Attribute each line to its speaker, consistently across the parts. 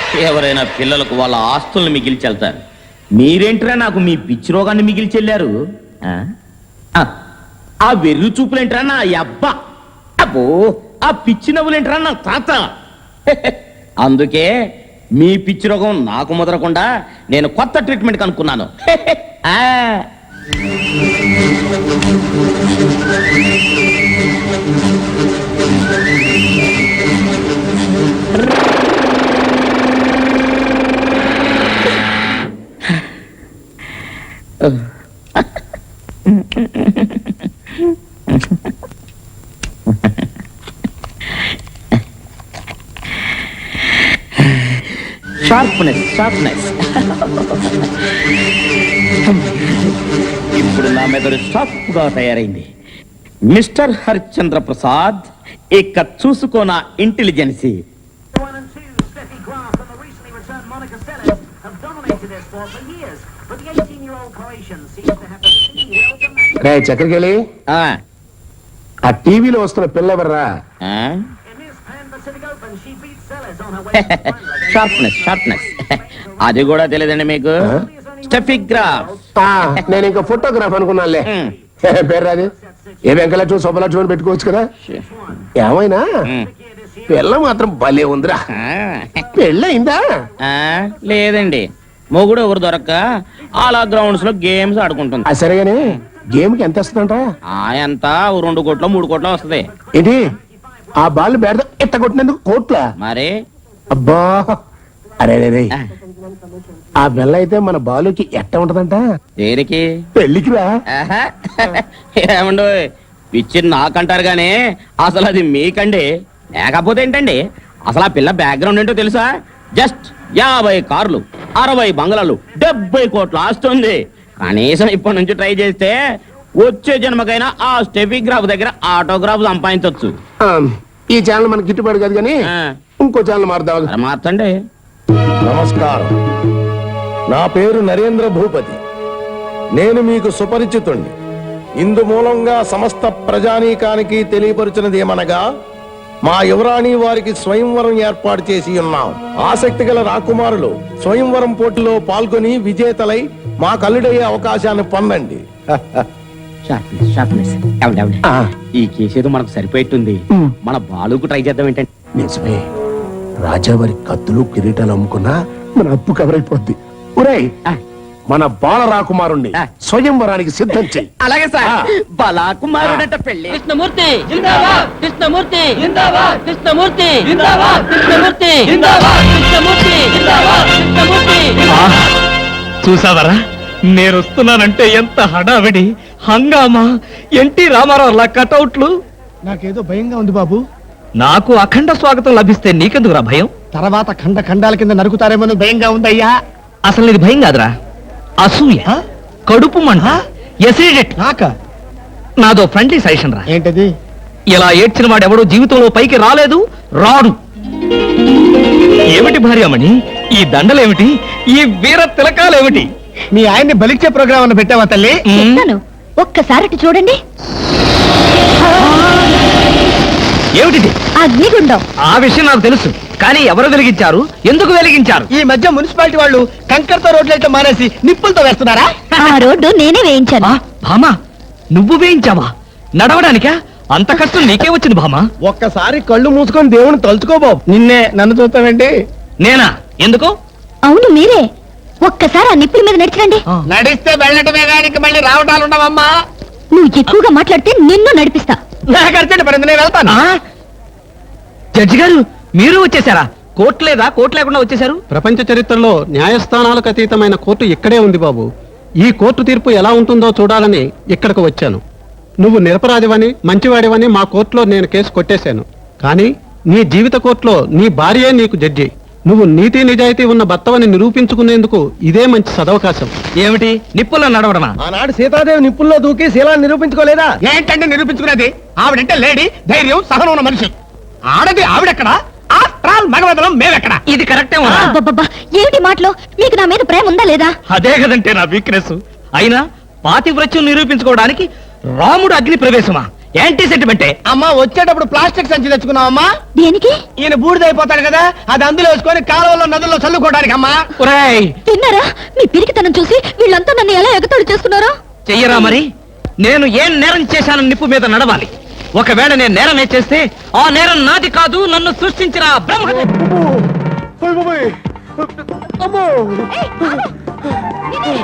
Speaker 1: ఎవరైనా పిల్లలకు వాళ్ళ ఆస్తుల్ని మిగిల్చెళ్తారు. మీరేంట్రా నాకు మీ పిచ్చి రోగాన్ని మిగిల్చెళ్ళారు? ఆ వెర్రి చూపులేంట్రా నా అబ్బా, అబ్బో ఆ పిచ్చి నవ్వులేంట్రా నా తాత. అందుకే మీ పిచ్చి రోగం నాకు ముదరకుండా నేను కొత్త ట్రీట్మెంట్ కనుక్కున్నాను. Sharpness sharpness. ఇప్పుడు నా మెదడు షార్ప్ గా తయారైంది. మిస్టర్ హరిశ్చంద్ర ప్రసాద్, ఇక చూసుకో నా ఇంటెలిజెన్సీ.
Speaker 2: చక్రకేళి, ఆ టీవీలో వస్తున్న పిల్ల ఎవర్రా?
Speaker 1: Sharpness sharpness. అది కూడా తెలియదండి మీకు? స్టెఫిగ్రాఫ్.
Speaker 2: నేను ఇంకా ఫోటోగ్రాఫ్ అనుకున్నానులే. పేరు అది ఏ వెంకలక్ష్మి శుభలక్ష్మి పెట్టుకోవచ్చు కదా. ఏమైనా పిల్ల మాత్రం భలే ఉందిరా. పెళ్ళయిందా?
Speaker 1: లేదండి, మొగుడు ఎవరు దొరక్క అలా గ్రౌండ్స్ లో గేమ్స్ ఆడుకుంటుంది.
Speaker 2: సరేగానే గేమ్ కి ఎంత వస్తుందంట?
Speaker 1: ఎంత 2 కోట్లు 3 కోట్లు వస్తుంది.
Speaker 2: ఏంటి ఆ బాల్ బేడ ఎట్ట కొట్టినందుకు కోట్ల?
Speaker 1: మరి
Speaker 2: అబ్బా, అరే ఆ బెల్ల అయితే మన బాలుకి ఎట్ట ఉంటదంట?
Speaker 1: దేనికి?
Speaker 2: పెళ్లికి రా.
Speaker 1: ఏమండో పిచ్చి నాకంటారు గానీ అసలు అది మీకండి. లేకపోతే ఏంటండి, అసలు ఆ పిల్ల బ్యాక్గ్రౌండ్ ఏంటో తెలుసా? జస్ట్ 50 కార్లు, 60 బంగ్లాలు, 70 కోట్లు ఆస్తుంది. కనీసం ఇప్పటి నుంచి ట్రై చేస్తే వచ్చే జన్మకైనా ఆ స్టెఫిగ్రాఫ్ దగ్గర ఆటోగ్రాఫ్ సంపాదించవచ్చు.
Speaker 2: ఈ ఛానల్ మనకి గిట్టుబాటు కాదు కానీ ఇంకో ఛానల్ మారుదాం.
Speaker 1: మార్చండి.
Speaker 3: నమస్కారం, నా పేరు నరేంద్ర భూపతి. నేను మీకు సుపరిచితుణ్ణి. ఇందు మూలంగా సమస్త ప్రజానీకానికి తెలియపరుచినది ఏమనగా, మా యువరాణి వారికి స్వయంవరం ఏర్పాటు చేసి ఉన్నాం. ఆసక్తి గల రాకుమారులు స్వయంవరం పోటీలో పాల్గొని విజేతలై మా కల్లుడయ్యే అవకాశాన్ని పొందండి.
Speaker 1: ఈ కేసేదో మనకు సరిపోయింది. మన బాలుకు ట్రై చేద్దాం ఏంటంటే.
Speaker 2: నిజమే, రాజావారి కత్తులు కిరీటాలు అమ్ముకున్నా మన అప్పు కవరైపోద్ది. ఒరేయ్, మన బాల రాకుమారుణ్ణి స్వయంవరానికి సిద్ధం చెయ్యి.
Speaker 1: అలాగే సార్. బాలకుమారుడంట పెళ్లి.
Speaker 4: కృష్ణమూర్తి జిందాబాద్, కృష్ణమూర్తి జిందాబాద్, కృష్ణమూర్తి జిందాబాద్, కృష్ణమూర్తి జిందాబాద్, కృష్ణమూర్తి జిందాబాద్, కృష్ణమూర్తి.
Speaker 5: చూసావరా, నేను వస్తున్నానంటే ఎంత హడావిడి, హంగామా, ఎన్టీ రామారావు కటౌట్లు.
Speaker 6: నాకేదో భయంగా ఉంది బాబు.
Speaker 5: నాకు అఖండ స్వాగతం లభిస్తే నీకెందుకురా భయం?
Speaker 6: తర్వాత ఖండ ఖండాల కింద నరుకుతారేమో భయంగా ఉందయ్యా.
Speaker 5: అసలు ఇది భయం కాదురా, అసూయ, కడుపు మంట, ఎసిడిటీ. నాదో ఫ్రెండ్లీ సజెషన్ రా.
Speaker 6: ఏంటది?
Speaker 5: ఇలా ఏడ్చిన వాడెవడో జీవితంలో పైకి రాలేదు, రాడు. ఏమిటి భార్యమణి ఈ దండలేమిటి, ఈ వీర తిలకాలేమిటి?
Speaker 6: మీ ఆయన్ని బలిచ్చే ప్రోగ్రామ్ అన్న పెట్టావా తల్లి?
Speaker 7: ఒక్కసారి చూడండి.
Speaker 5: ఏమిటి
Speaker 7: అగ్నిగుండం?
Speaker 5: ఆ విషయం నాకు తెలుసు, కానీ ఎవరు వెలిగించారు, ఎందుకు వెలిగించారు?
Speaker 6: ఈ మధ్య మున్సిపాలిటీ వాళ్ళు కంకరతో రోడ్లైతే మానేసి నిప్పులతో వేస్తున్నారా?
Speaker 7: ఆ రోడ్డు నేనే వేయించాను.
Speaker 5: భామా, నువ్వు వేయించావా? నడవడానికా? అంత కష్టం నీకే వచ్చింది భామా?
Speaker 6: ఒక్కసారి కళ్ళు మూసుకొని దేవుని తలుచుకో బాబు. నిన్నే నన్ను చూస్తావేంటి?
Speaker 5: నేనా? ఎందుకు?
Speaker 7: అవును మీరే. ఒక్కసారి ఆ నిప్పుల మీద నడిచిరండి.
Speaker 6: నడిస్తే వెళ్ళటమే కానీ మళ్ళీ రావటాలు ఉండవమ్మా.
Speaker 7: నువ్వు ఎక్కువగా మాట్లాడితే నిన్ను నడిపిస్తా.
Speaker 6: నాకు అర్జెంట్ పడింది, నేను వెళ్తాను.
Speaker 5: జడ్జి గారు, మీరు వచ్చేసారా? కోర్టు లేదా? కోర్టు లేకుండా వచ్చేసారు?
Speaker 8: ప్రపంచ చరిత్రలో న్యాయస్థానాలకు అతీతమైన కోర్టు ఇక్కడే ఉంది బాబు. ఈ కోర్టు తీర్పు ఎలా ఉంటుందో చూడాలని ఇక్కడికి వచ్చాను. నువ్వు నిరపరాధివని, మంచివాడివని మా కోర్టులో నేను కేసు కొట్టేశాను. కానీ నీ జీవిత కోర్టులో నీ భార్యే నీకు జడ్జి. నువ్వు నీతి నిజాయితీ ఉన్న భర్తవని నిరూపించుకునేందుకు ఇదే మంచి సదవకాశం.
Speaker 5: ఏమిటి, నిప్పుల్లో నడవడమా?
Speaker 6: ఆనాడు సీతాదేవి నిప్పుల్లో దూకి శీలాన్ని నిరూపించుకోలేదా? ఏంటంటే నిరూపించుకునేది? ఆవిడంటే లేడీ, ధైర్యం, సహనం ఉన్న మనిషి. ఆడది ఆవిడెక్కడా? మగవదలం మేమెక్కడ?
Speaker 5: ఇది కరెక్టే.
Speaker 7: ఏమిటి మాటలో? మీకు నా మీద ప్రేమ ఉందా లేదా?
Speaker 5: అదే కదంటే నా వీక్నెస్. అయినా పాతివ్రత్యం నిరూపించుకోవడానికి రాముడు అగ్ని ప్రవేశమా? యాంటీ సెంటిమెంటే.
Speaker 6: అమ్మా వచ్చేటప్పుడు ప్లాస్టిక్ సంచి తెచ్చుకున్నావమ్మా.
Speaker 7: దేనికి?
Speaker 6: ఈయన బూడిదైపోతాడు కదా, అది అందులో వేసుకొని కాలువలో నదుల్లో చల్లుకోవడానికి అమ్మా.
Speaker 5: ఒరేయ్,
Speaker 7: తిన్నారా? మీ పిరికితనం చూసి వీళ్ళంతా నన్ను ఎలా ఎగతాళి చేస్తున్నారో.
Speaker 5: చెయ్యరా మరి. నేను ఏం నేరం చేశానని నిప్పు మీద నడవాలి. ఒకవేళ నేను నేరం చేస్తే ఆ నేరం నాది కాదు, నన్ను సృష్టించిన బ్రహ్మ.
Speaker 7: ఏయ్, ఆగు! ఇది!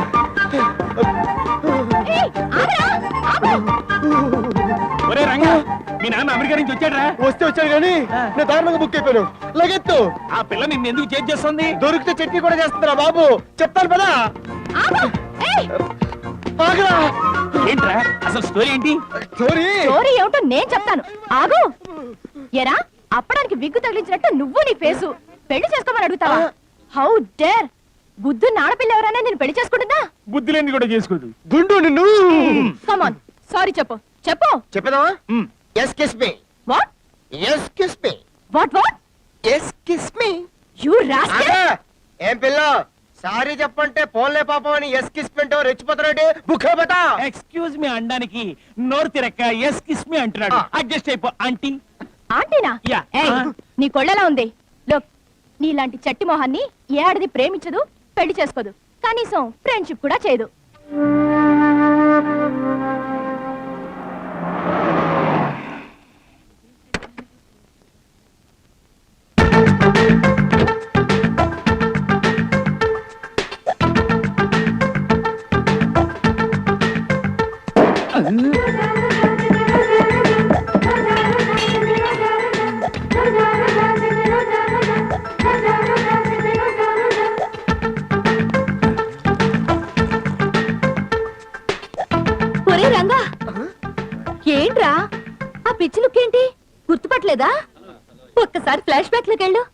Speaker 7: ఏయ్, ఆగరా! ఆగు!
Speaker 1: ఒరే రంగా, మీ నాన్న అమెరికా నుంచి వచ్చాడ్రా?
Speaker 3: వస్తే వచ్చాడు కానీ నేను దారుణంగా బుక్ అయిపోయాను. లగెత్తు.
Speaker 1: ఆ పిల్ల నిన్ను ఎందుకు చేజ్ చేస్తుంది?
Speaker 3: దొరికితే చట్నీ కూడా చేస్తుందిరా బాబు. చెప్తాను పదా.
Speaker 7: ఆగు! ఏయ్!
Speaker 3: ఆగరా.
Speaker 1: ఏంట్రా అసలు స్టోరీ ఏంటి?
Speaker 3: చోరీ.
Speaker 7: స్టోరీ ఏమిటో నేను చెప్తాను. ఆగు! ఎరా, అప్పడానికి విగ్గు తగిలించినట్టు నువ్వు నీ ఫేసు పెళ్లి చేసుకోమని అడుగుతావా? How dare! బుద్ధున్న ఆడపిల్ల ఎవరైనా నేను పెళ్లి చేసుకుంటుందా?
Speaker 1: బుద్ధి లేని కూడా చేసుకోదు.
Speaker 3: గుండు నిన్ను.
Speaker 7: కమాన్, సారీ చెప్పు. చెప్పు.
Speaker 3: చెప్పేదావా? Yes kiss me.
Speaker 7: What
Speaker 3: yes kiss me.
Speaker 7: What what?
Speaker 3: Yes kiss me.
Speaker 7: You rascal!
Speaker 3: ఏం పిల్ల, సారీ చెప్పంటే పోన్లే పాపం అని ఎస్ కిస్ పింటో రెచ్చిపోతారంటే బుక్ అయిపోతా.
Speaker 1: ఎక్స్క్యూజ్ మీ అనడానికి నోరు తిరక్క ఎస్ కిస్ మీ అంటున్నాడు. అడ్జస్ట్ అయిపో ఆంటీ.
Speaker 7: ఆంటీనా?
Speaker 1: Yeah.
Speaker 7: ఏయ్, నీ కొళ్ళెలా ఉంది? లోక్, నీలాంటి చట్టి మొహాన్ని ఏ ఆడది ప్రేమించదు, పెళ్లి చేసుకోదు, కనీసం ఫ్రెండ్షిప్ కూడా చేయదు. ఒరే రంగా, ఏంట్రా ఆ పిచ్చి లుక్ ఏంటి? గుర్తుపట్టలేదా? ఒక్కసారి ఫ్లాష్ బ్యాక్ లోకి వెళ్ళు.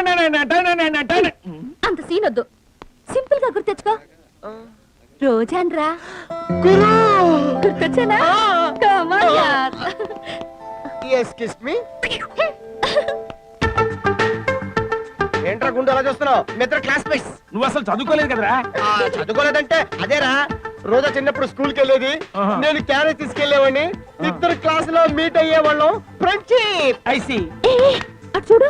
Speaker 7: అంత సీన్ వద్దు, సింపుల్ గా గుర్తు తెచ్చుకో. రోజాన్రా గుర్తొచ్చానా? Come on, యార్.
Speaker 3: Yes kiss me. ఏంట్రా గుండు అలా చూస్తున్నావు? మిత్ర క్లాస్మేట్స్.
Speaker 1: నువ్వు అసలు చదువుకోలేదు కదరా?
Speaker 3: చదువుకోలేదంటే అదేరా, రోజా చిన్నప్పుడు స్కూల్ కి వెళ్ళేది, నేను క్యారేజ్ తీసుకెళ్లేవాడిని, ఇద్దరు క్లాస్ లో మీట్ అయ్యేవాళ్ళం. ఫ్రెండ్షిప్.
Speaker 1: ఐసి
Speaker 7: ఏ, అటు చూడు.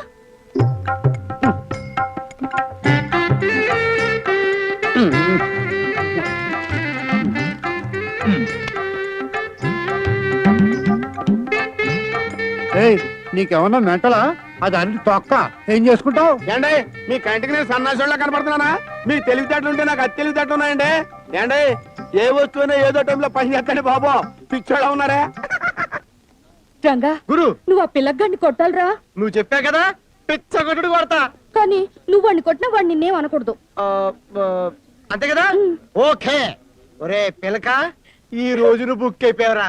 Speaker 6: నీకేమన్నా మెంటలా? అది అన్ని తొక్క ఏం చేసుకుంటావు?
Speaker 2: ఏండే మీ కంటికి నేను సన్నాసోళ్ళ కనపడుతున్నానా? మీ తెలివితేటలు ఉంటే నాకు అతి తెలివితేటలు ఉన్నాయండి. ఏండే ఏ వస్తువునే ఏదో టైంలో పని చేస్తాడు బాబు. పిచ్చోళ్ళ ఉన్నారే.
Speaker 7: రంగా,
Speaker 3: గురు,
Speaker 7: నువ్వు ఆ పిల్లగాడిని కొట్టాలరా.
Speaker 3: నువ్వు చెప్పా కదా పిచ్చ కొట్టుడు కొడతా.
Speaker 7: కానీ నువ్వు వాడిని కొట్టినా వాడిని నిన్నేం అనకూడదు.
Speaker 3: అంతే కదా? ఓకే. ఒరే పిలక, ఈ రోజు నువ్వు బుక్ అయిపోయావరా.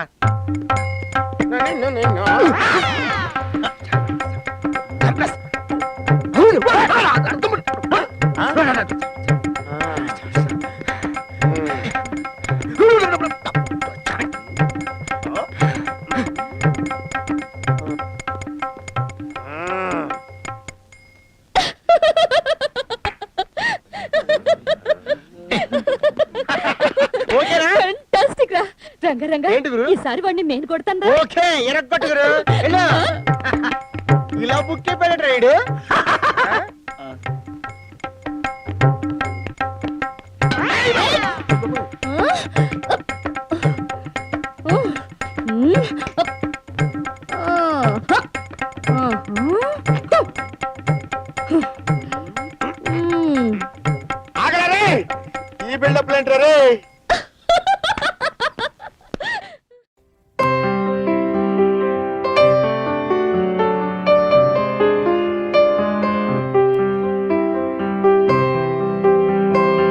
Speaker 3: ఓకేనా?
Speaker 7: Fantastic రా. రంగా రంగా,
Speaker 3: ఏంటి గురు?
Speaker 7: ఈసారి వాడిని నేను కొడతాను.
Speaker 3: ఓకే, ఎరగొట్టుగురు. ఇలా బుక్ అయిపోయాడు రైడు. ఆగలరే, ఈ బిల్డప్ ఏంటారే?